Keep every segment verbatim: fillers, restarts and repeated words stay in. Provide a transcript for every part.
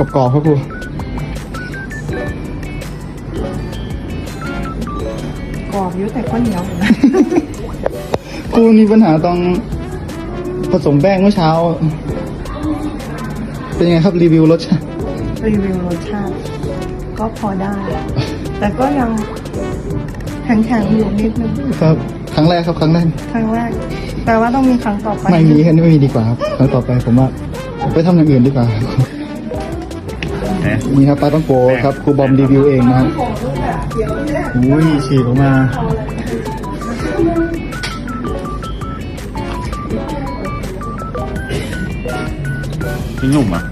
กรอบๆครับครูกรอบเยอะแต่ก็เหนียวอยู่นะครูมีปัญหาตอนผสมแป้งเมื่อเช้า เป็นยังไงครับรีวิวรสชาติรีวิวรสชาติก็พอได้ แต่ก็ยังแข็งๆอยู่นิดนึงครับ ครั้งแรกครับครั้งแรกครั้งแรกแต่ว่าต้องมีครั้งต่อไปไม่มีแค่นี้ไม่มีดีกว่าครับครั้งต่อไปผมว่าไปทำอย่างอื่นดีกว่า นี่ครับปลาต้องโกครับครูบอมรีวิวเองนะครับอุ้ยฉีกออกมามันนุ่มอ่ะ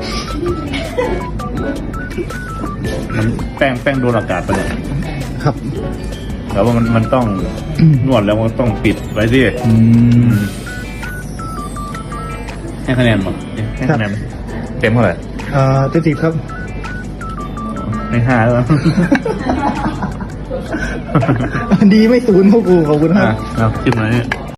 มันแป้งแป้งโดนอากาศไปเลยครับแต่ว่ามันมันต้อง นวดแล้วมันต้องปิดไว้สิอืมให้คะแนนหมดให้คะแนนเต็มเท่าไหร่เอ่อเจ็ดสิบครับในห้าแล้วดีไม่ศูนย์ครับครูขอบคุณคอ่ะรับเอาจิ้มหน่อยนี่